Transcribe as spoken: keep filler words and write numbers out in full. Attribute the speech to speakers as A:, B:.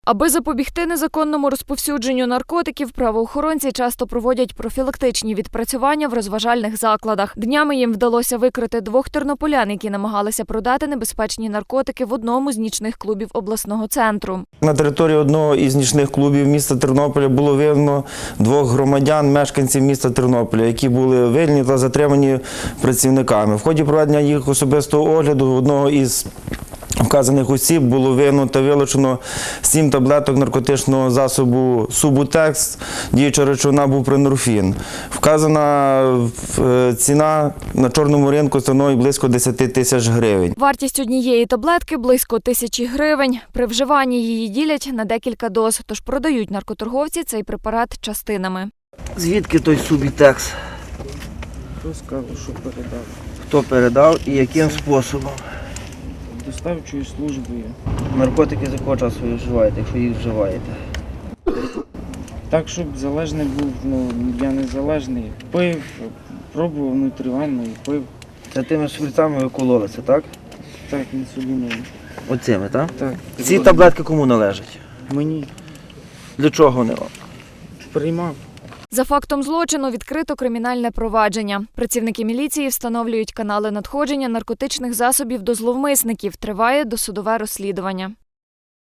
A: Аби запобігти незаконному розповсюдженню наркотиків, правоохоронці часто проводять профілактичні відпрацювання в розважальних закладах. Днями їм вдалося викрити двох тернополян, які намагалися продати небезпечні наркотики в одному з нічних клубів обласного центру.
B: На території одного із нічних клубів міста Тернополя було виявлено двох громадян, мешканців міста Тернополя, які були виявлені та затримані працівниками. В ході проведення їх особистого огляду одного із вказаних осіб було виявлено та вилучено сім таблеток наркотичного засобу Субутекс, діюча речовина бупрофен. Вказана ціна на чорному ринку становить близько десяти тисяч гривень.
A: Вартість однієї таблетки – близько тисячі гривень. При вживанні її ділять на декілька доз, тож продають наркоторговці цей препарат частинами.
C: Звідки той Субутекс?
D: Хто сказав, що передав?
C: Хто передав і яким способом?
D: Доставчою службою.
C: Наркотики з якого часу ви вживаєте, якщо їх вживаєте?
D: Так, щоб залежний був, ну, я не залежний. Пив, пробував внутрівенно і пив.
C: Це тими шприцами ви кололи, це так?
D: Так, інсуліном.
C: Оцими, так?
D: Так.
C: Ці таблетки кому належать?
D: Мені
C: Для чого вони вам?
D: приймав.
A: За фактом злочину відкрито кримінальне провадження. Працівники міліції встановлюють канали надходження наркотичних засобів до зловмисників. Триває досудове розслідування.